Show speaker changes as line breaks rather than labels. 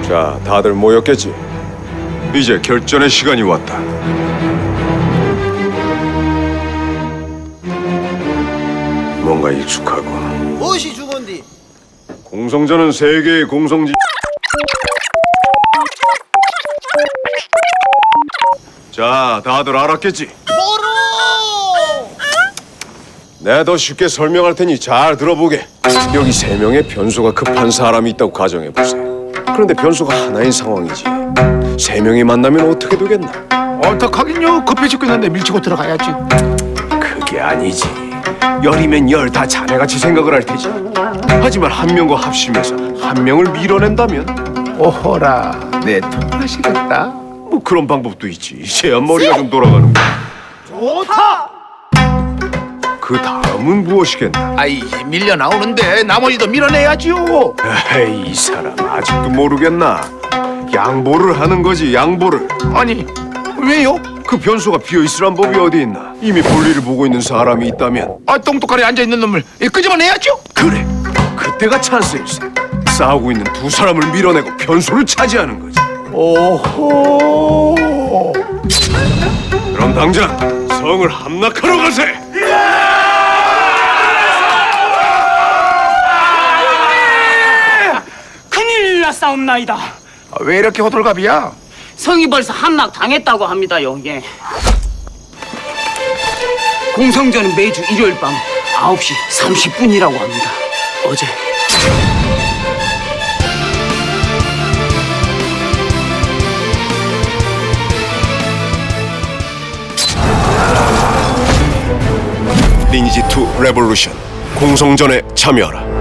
자, 다들 모였겠지? 이제 결전의 시간이 왔다. 뭔가 익숙하고.
무엇이 주건디?
공성전은 세계의 공성지. 자, 다들 알았겠지?
뭐로?
내가 더 쉽게 설명할 테니 잘 들어보게. 여기 3명의 변수가 급한 사람이 있다고 가정해보세요. 그런데 변수가 하나인 상황이지. 3명이 만나면 어떻게 되겠나?
어떡하긴요. 급해 죽겠는데 밀치고 들어가야지.
그게 아니지. 열이면 열 다 자네같이 생각을 할 테지. 하지만 한 명과 합심해서 한 명을 밀어낸다면
오호라, 내 통하시겠다.
뭐 그런 방법도 있지. 이제야 머리가 좀 돌아가는 거야.
좋다.
그 다음은 무엇이겠나?
아이, 밀려 나오는데 나머지도 밀어내야지요.
에이, 이 사람 아직도 모르겠나? 양보를 하는 거지, 양보를.
아니, 왜요?
그 변수가 비어있으란 법이 어디 있나? 이미 볼일을 보고 있는 사람이 있다면
아, 똥똑하게 앉아있는 놈을 끄집어내야죠.
그래, 그때가 찬스일세. 싸우고 있는 두 사람을 밀어내고 변수를 차지하는 거지.
오호.
그럼 당장 성을 함락하러 가세.
큰일 났사옵나이다.
왜 이렇게 호들갑이야?
성이 벌써 함락 당했다고 합니다요. 예. 공성전은 매주 일요일 밤 9시 30분이라고 합니다. 어제.
리니지2 레볼루션 공성전에 참여하라.